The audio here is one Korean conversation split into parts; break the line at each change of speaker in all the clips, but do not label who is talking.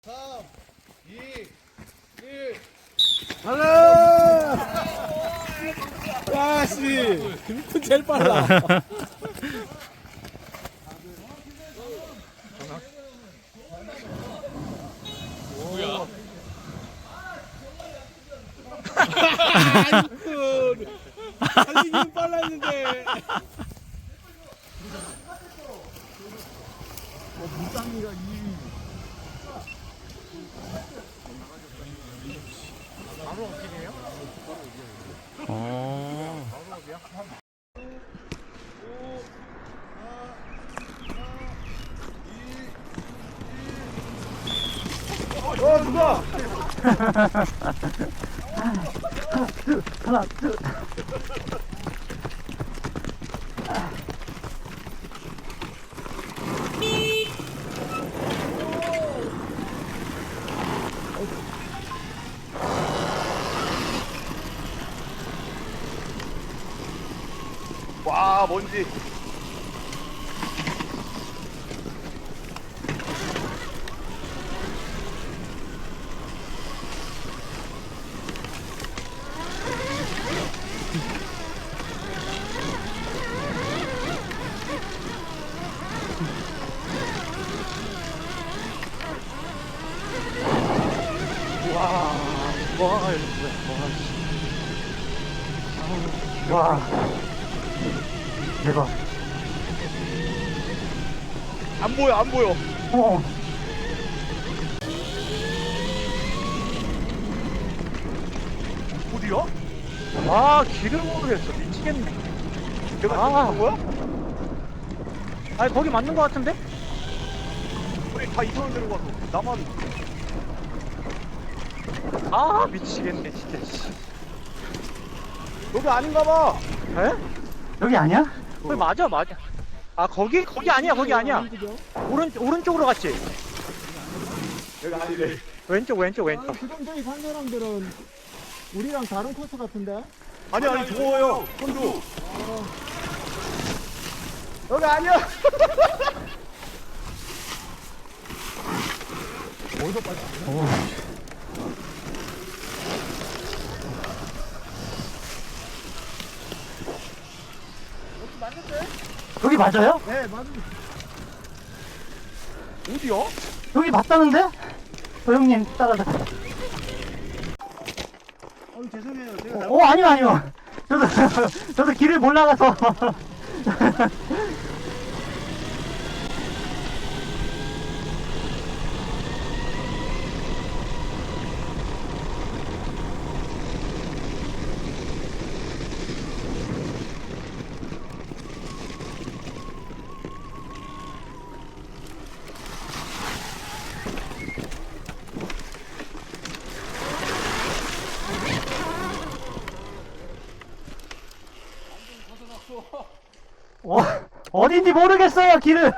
3, 2, 1.
달라! 야, 씨. 김kun 제일 빨라.
뭐야?
김kun. 달리기는 빨라 했는데. 무쌍이가 2위. 바로 어떻게해요? 누가?
하나, 둘.
와, 뭔지.
와, 대박.
안 보여, 안 보여.
어,
어디야?
아, 길을 모르겠어. 미치겠네.
내가
아.
아. 거야?
아니, 거기 맞는 거 같은데?
우리 다 이상한 데로 가서. 나만.
아, 미치겠네, 진짜. 씨.
여기 아닌가 봐.
에? 여기 아니야? 거기 맞아, 맞아. 아, 거기 아니야, 거기 아니야. 오른쪽으로 갔지?
여기 아니래.
왼쪽.
지금 저기 산 사람들은 우리랑 다른 코스 같은데?
아니, 저거요. 선두.
여기 아니야. 여기 맞아요?
네, 맞은.
어디야?
여기 맞다는데? 형님 따라다.
죄송해요. 제가
아니요. 저도 길을 몰라가서. 어딘지 모르겠어요, 길을.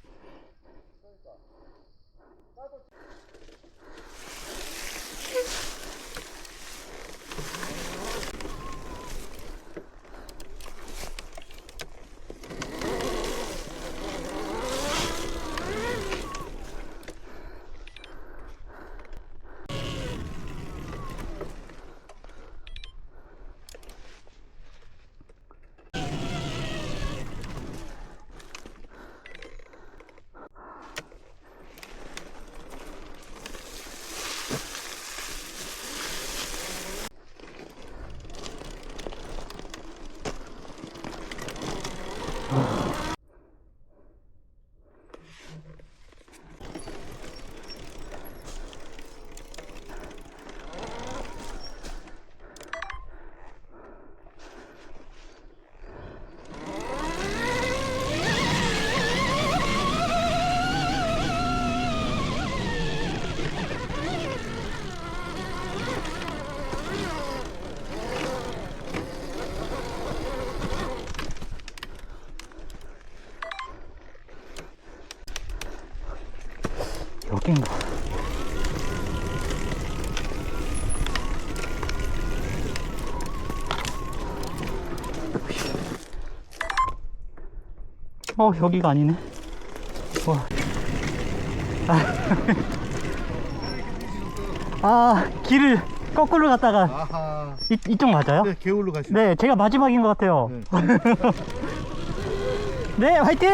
여긴가? 여기가 아니네. 와.
아, 길을 거꾸로 갔다가
아하.
이쪽 맞아요?
네, 개울로 가시죠.
네, 제가 마지막인 것 같아요. 네, 화이팅!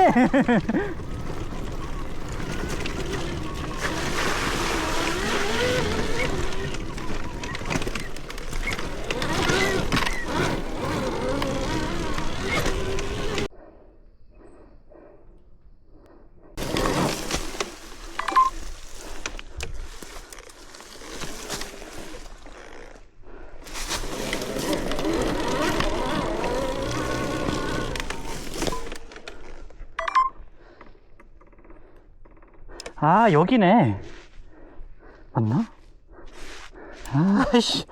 아, 여기네. 맞나? 아이씨.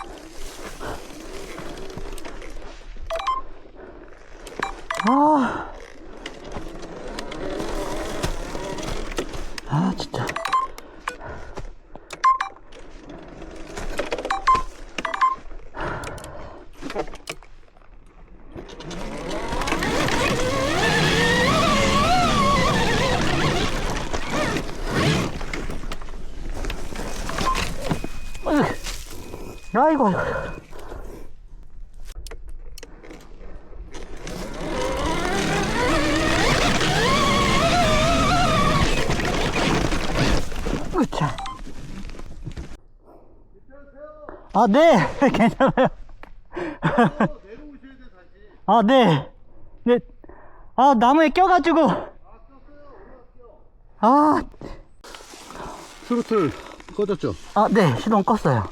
진짜. 아이고. 으차. 아, 네. 괜찮아요. 아, 네. 네. 아, 나무에 껴가지고. 아.
트로틀 꺼졌죠?
아, 네. 시동 껐어요.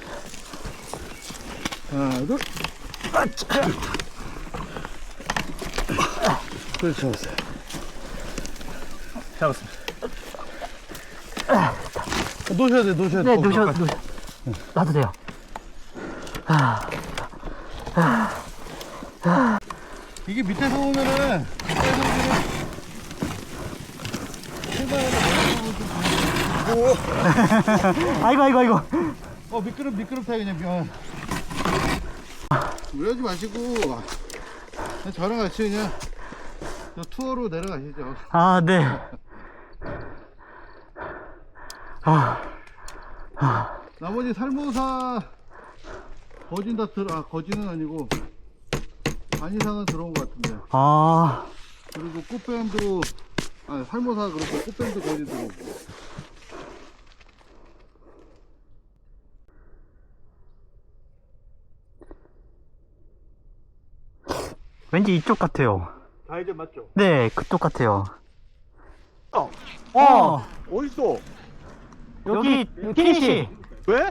하나, 둘. 그렇지, 잡았어요.
잡았습니다.
놓으셔야 돼, 놓으셔야 돼.
네, 놓으셔. 놔도 돼요.
이게 밑에서 오면은,
아이고.
미끄럽다, 그냥. 이러지 마시고, 그냥 저랑 같이 그냥, 저 투어로 내려가시죠.
아, 네.
나머지 살모사, 거진은 아니고, 반 이상은 들어온 것 같은데.
아,
그리고 꽃뱀도, 살모사 그렇고 꽃뱀도 거진 들어오고.
왠지 이쪽 같아요.
다 이제 맞죠?
네, 그쪽 같아요.
어딨어?
여기 피니시.
왜?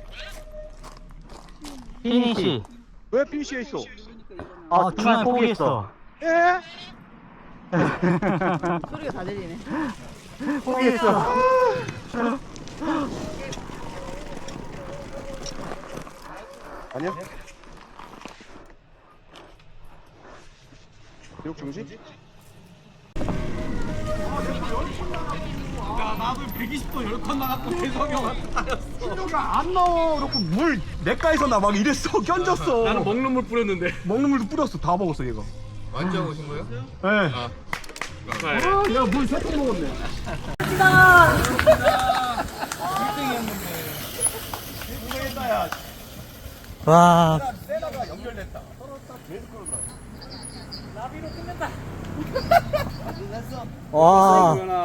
피니시.
왜 피니시에 있어?
아, 중간 포기했어.
예?
소리가 다 들리네.
포기했어.
아니야? 교육 중지?
안 나와. 그렇고 물 내가에서 나 막 이랬어. 견졌어.
나는 먹는 물 뿌렸는데.
먹는 물도 뿌렸어. 다 먹었어 얘가.
완전 오신 거예요?
네.
야물 세통 먹었네.
와.
세다가 연결됐다.
와.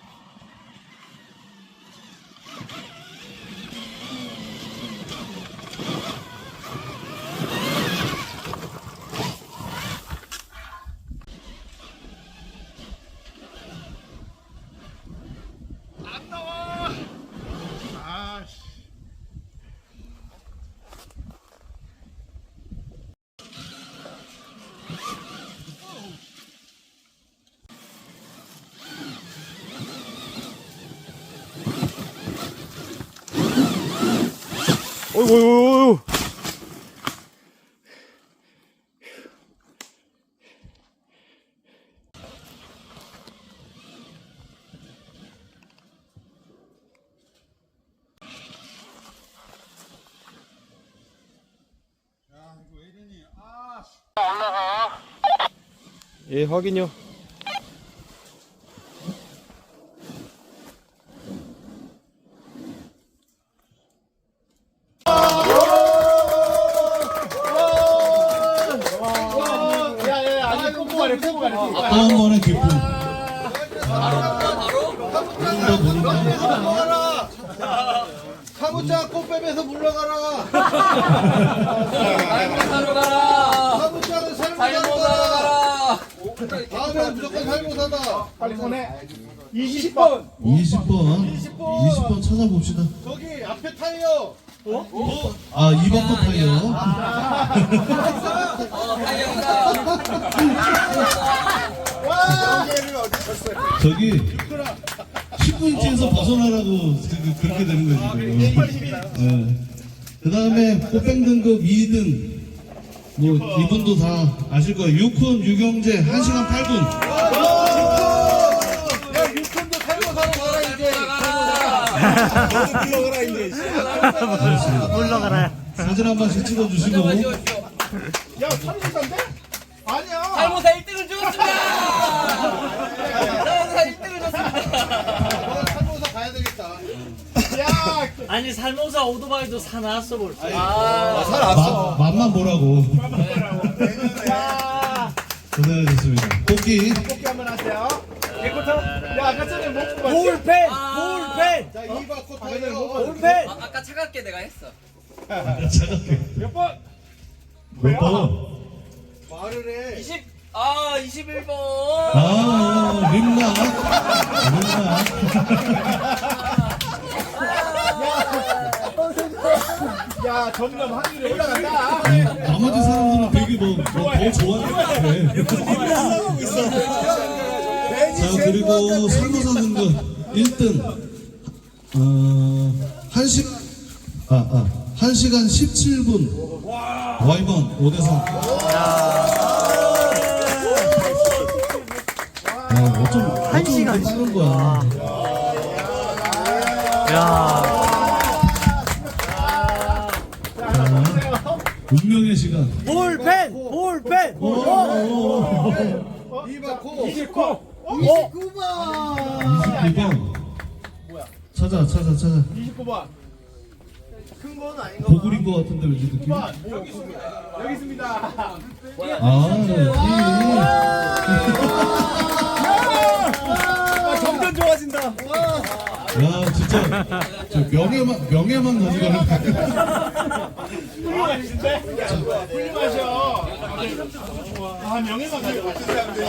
어이구. 예, 확인요.
또 한 번의 기쁨.
사무차 꽃뱀에서 물러가라. 사무차는 살모사다. 다음에 무조건 살모사다.
빨리 꺼내. 20번.
20번 찾아봅시다.
저기 앞에 타이어.
아, 2번 거 타이어. 저기 19인치에서 벗어나라고 그렇게 되는 거지 지금. 그 다음에 꽃뱅 등급 2등 뭐 이분도 다 아실 거예요. 유쿤 유경재 1시간 8분.
야, 육군도 살모사로 가라 이제.
너도 불러가라 이제.
물러가라.
사진 한 번씩 찍어주시고.
야 살모사인데? 아니야.
살모사 1등을 주었습니다. 살모사 1등을 줬습니다.
살모사 가야 되겠다.
야.
아니 살모사 오토바이도 사놨어 벌써.
맛만 보라고.
야.
고생하셨습니다. 뽑기.
뽑기 한번 하세요. 개코터. 야 아까 전에 먹고 봤지?
볼펜. 볼펜.
자, 2번 꽃 타이어.
볼펜. 아까 차갑게 내가 했어.
몇 번?
몇 번?
말을 해.
21번.
아, 림나.
야 점점 확률이 올라간다.
나머지 사람들은 되게 더 좋아하는 것 같아. 자, 그리고 살모사 등급 1등. 1시간 17분. 와이번 5대3. 어쩜
시간.
빠른 거야.
야.
운명의 시간.
볼펜. 볼펜.
2번 코.
29.
29번. 찾아.
29번. 큰 건 아닌 거.
보글인 것 같은데 왠지 느낌?
여기 있습니다. 점점 좋아진다.
야, 진짜 저 명예만 가져가는.
훌륭하신데? 훌륭하셔. 아 명예만 가져가시는데.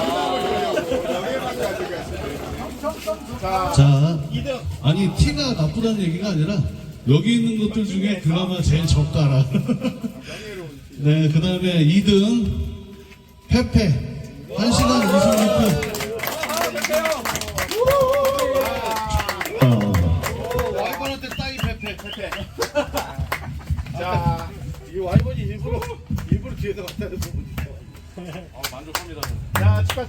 자,
2등.
아니 티가 나쁘다는 얘기가 아니라 여기 있는 것들 중에 그나마 제일 적가라. 네, 그 다음에 2등 페페 1시간 26분.
와이번한테 따이 페페.
자,
이 와이번이 일부러 뒤에서 갖다 대는 부분이 있어.
만족합니다.
자 축하.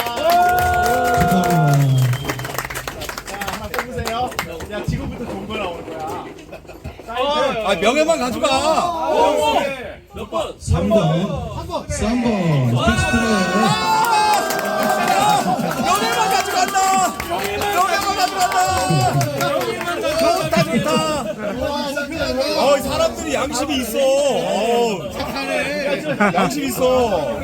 축하합니다.
자 하나 뽑으세요. 야 지금부터 좋은 거 나오는 거야.
아 명예만 가져가.
몇 번?
3번 픽스트레.
명예만 가져간다. 명예만 가져간다. 좋다. 사람들이 양심이 있어. 착하네. 양심 있어.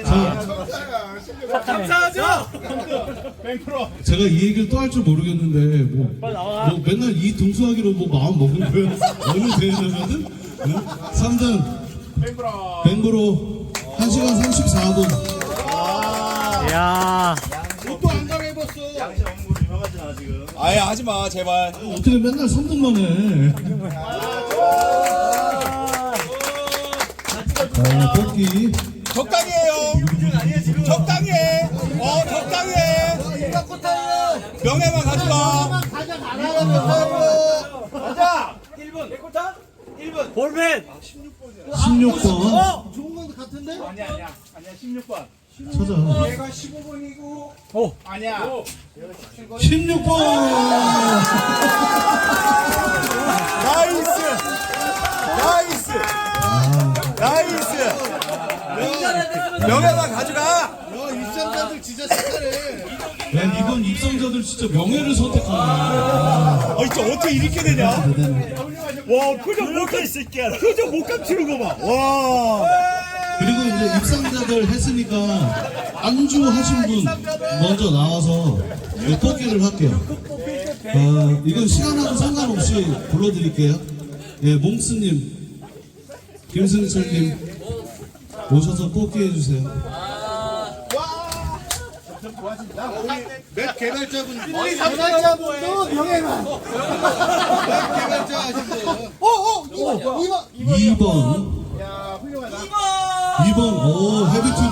감사하죠. 100%.
제가 이 얘기를 또 할 줄 모르겠는데 뭐 맨날 이 등수하기로 뭐 마음 먹은 거예요. 어느 대회냐면은 3등
100%.
뱅브로 1시간 34분.
야.
옷도 안 갈아입었어.
아예 하지 마 제발.
어떻게 맨날 3등만 해. 자, 뽑기.
적당히 해요. 적당히 해. 적당히 해. 명예만 가져가. 가자. 1분. 백호탄? 1분.
볼펜.
16번
좋은 건 같은데?
아니야 16번.
찾아.
내가 15번이고. 아니야.
16번.
나이스. 명예만 가져가.
입장자들 진짜 착하네.
야, 이건 입성자들 진짜 명예를 선택하네.
진짜 어떻게 이렇게 되냐? 와 표정 못 감추는 거 봐. 와.
그리고 이제 입상자들 했으니까 안주 하신 분 먼저 나와서 뽑기를 할게요. 이건 시간하고 상관없이 불러드릴게요. 예, 몽스님, 김승철님 오셔서 뽑기 해주세요.
몇 개발자분
개발자분도 명예만.
개발자 하신 분
2번.
야 훌륭하다
2번, 오, 헤비튜브.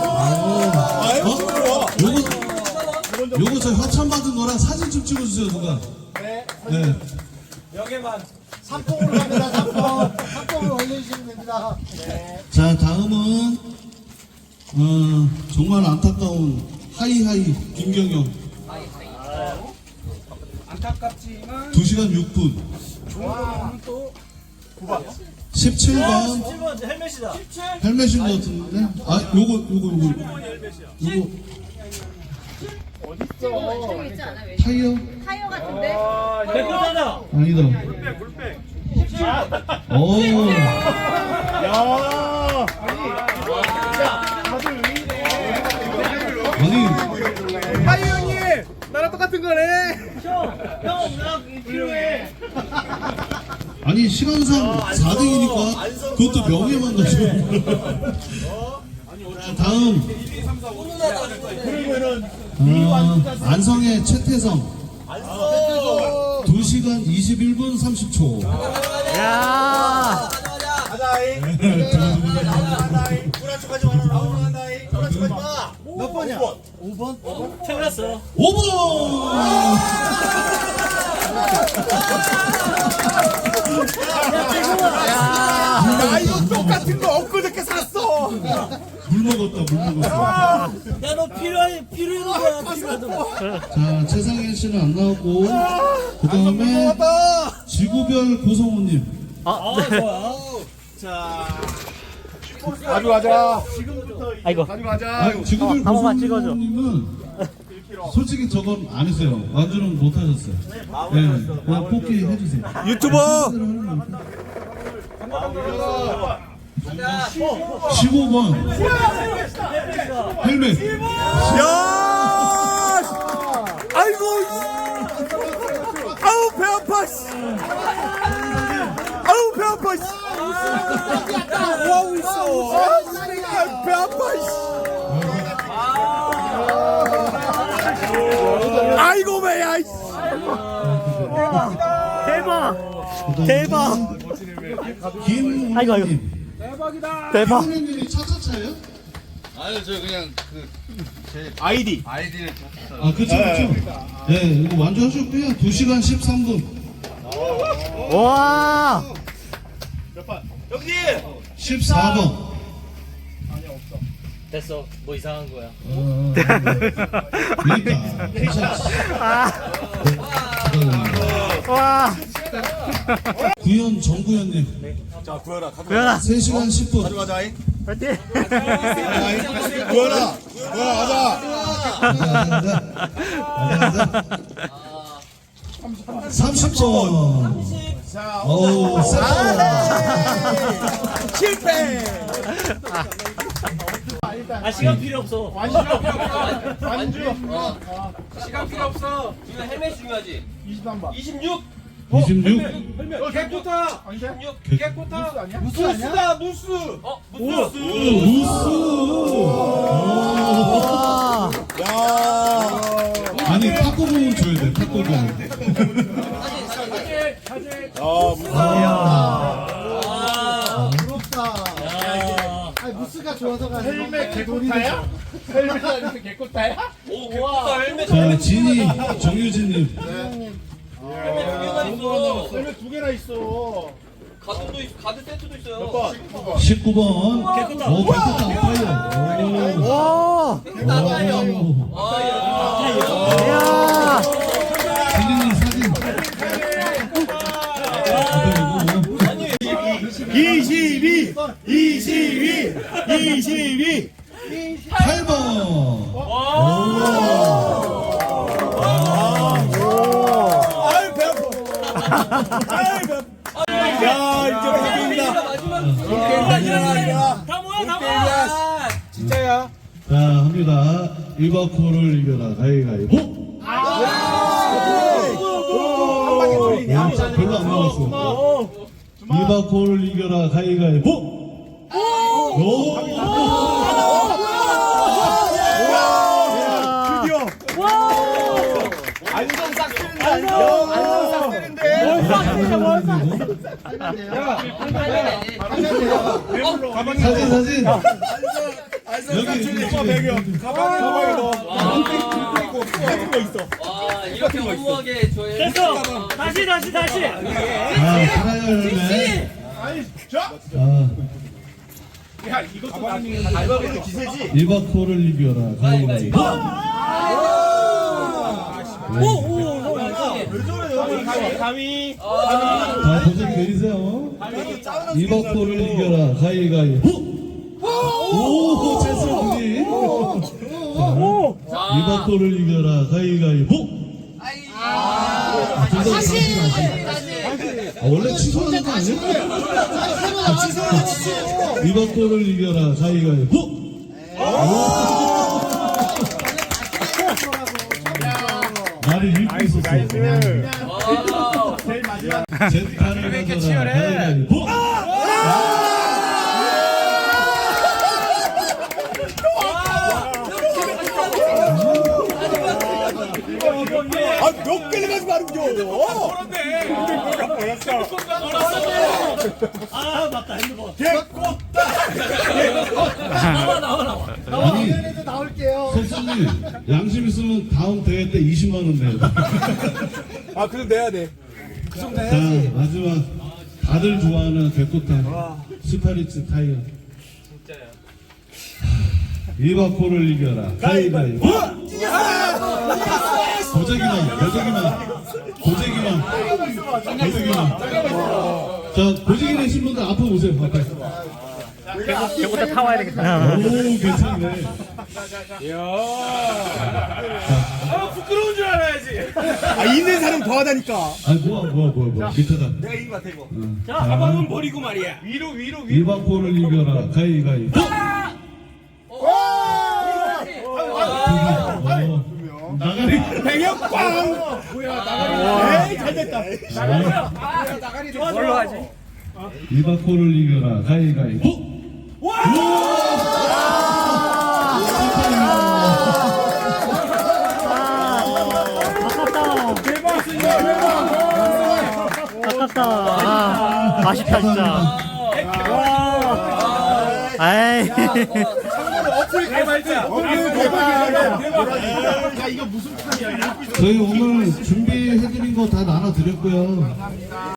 요거 저 협찬 받은 거랑 사진 좀 찍어주세요, 누가. 네.
삼봉으로 갑니다 삼봉으로 올려주시면 됩니다
자, 다음은, 정말 안타까운 하이하이 김경영.
안타깝지만
2시간 6분.
또
17번.
7번 헬멧이다.
헬멧인 것 같은데? 아, 요거.
저기 있지 않아? 왜?
타이어?
타이어 같은데?
백호잖아.
아니다. 오. 아니,
하이 형님 나랑 똑같은 거네.
형나 필요해.
아니 시간상 4등이니까 그것도 명예만 가지고. 자, 다음 안성의 최태성 2시간 21분 30초.
야
불안촉하지 마라 불안촉하지 마몇 번이야? 5번?
틀렸어.
5번.
나 이거 똑같은 거 엊그저께 샀어.
물 먹었다.
야 너 필요한 거야 필요하던 거.
자, 최상현 씨는 안 나왔고, 그 다음에 지구별 고성호님.
좋아.
가져가자.
아이고
가져가자.
지구별
한 번만 찍어줘.
고성호님은 솔직히 저건 안 했어요. 완주는 못 하셨어요. 네, 그냥 뽑기 해주세요.
유튜버.
15번 헬멧.
야. 아이고. 아우 배 아파. 아우 배 아파. 와우 있어. 배 아파. 아이고 배야.
대박
김우님.
대박
김우님이 차차차예요?
아니요 저 그냥
아이디.
아이디를
아, 그쵸. 네, 이거 완주하셨고요. 2시간 13분.
와
14번.
됐어. 뭐 이상한 거야.
그러니까 괜찮지.
와
구현 정구현님.
자 구현아.
구현아
3시간 10분.
가져가자.
파이팅
구현아. 구현아 가자.
30번. 어우,
실패.
시간 필요 없어.
시간 필요 없어.
이거 헬멧 중요하지.
23번.
26.
26.
개코타.
26.
개코타. 누스다 누스.
무슨?
루스.
야.
아니, 탁구공은 줘야 돼, 탁구공.
부럽다 아니 무스가 좋아서가 헬멧 개코타야? 헬멧 아니면 개코타야?
오, 개코타 헬멧.
자, 진희, 정유진님.
헬멧 두 개나 있어.
헬멧 2개나 있어
가든도 있어. 가든 세트도 있어요.
19번.
개코타.
오, 개코타 파이어.
와
오.
야
진희님 사진.
22.
8번.
아유 배 아파. 아유 배 아파. 야 이제 게임이다.
마지막.
게임이다. 일어나.
다 모여.
진짜야.
자, 합니다. 이바코를 이겨라. 가위가위보.
한 방에 돌리냐?
별로 안 나왔어. 이바코를 이겨라. 가위가위보. 오!
드디어. 안성 싹 쓰는데. 안성 싹 쓰는데.
사진. 여기
배경. 가방에 넣어.
이렇게 너무하게 저희
됐어. 다시.
아, 살아야 열매. 아,
야, 이것도 가방에 기세지.
이바코를 이겨라. 가위가위보.
감히.
자, 도전 내리세요. 이바코를 이겨라. 가위가위보. 오, 찬스분이. 이바코를 이겨라. 가위가위보. 다시. 원래 취소하는 거 아니야? 이바코를 이겨라. 가위가위보. 나를 읽고 있었어.
제일 마지막.
젠타를 가져라. 가위가위보.
몇 개를 가지고 하는 겨. 그런데.
아, 맞다. 핸드폰.
아니,
나올게요.
선생님, 양심 있으면 다음 대회 때 20만 원 내요.
아, 그럼 내야 돼. 그 정도
자,
해야지.
마지막 다들 좋아하는 개코탕 스파리츠 타이어. 진짜요. 이바코를 이겨라. 가위바위보. 고재기만. 자, 고재기 내신 분들 앞으로 오세요. 앞에.
저부터 타와야 되겠다.
오, 괜찮네.
부끄러운 줄 알아야지. 아, 있는 사람 더 하다니까.
아니, 뭐야. 밑에다.
내가 이긴 것 같아, 이거.
자,
가방은 버리고 말이야. 위로.
이바코를 이겨라. 가위바위보. 나가리.
백영 꽝. 뭐야, 나가리. 에이, 잘 됐다. 나가리.
뭘로 하지?
이바코를 이겨라. 가위바위보.
아깝다. 아쉽다, 진짜. 아이.
어플 개발자. 어플 개발자. 야, 이거 무슨 판이야?
저희 오늘 준비해드린 거 다 나눠드렸고요.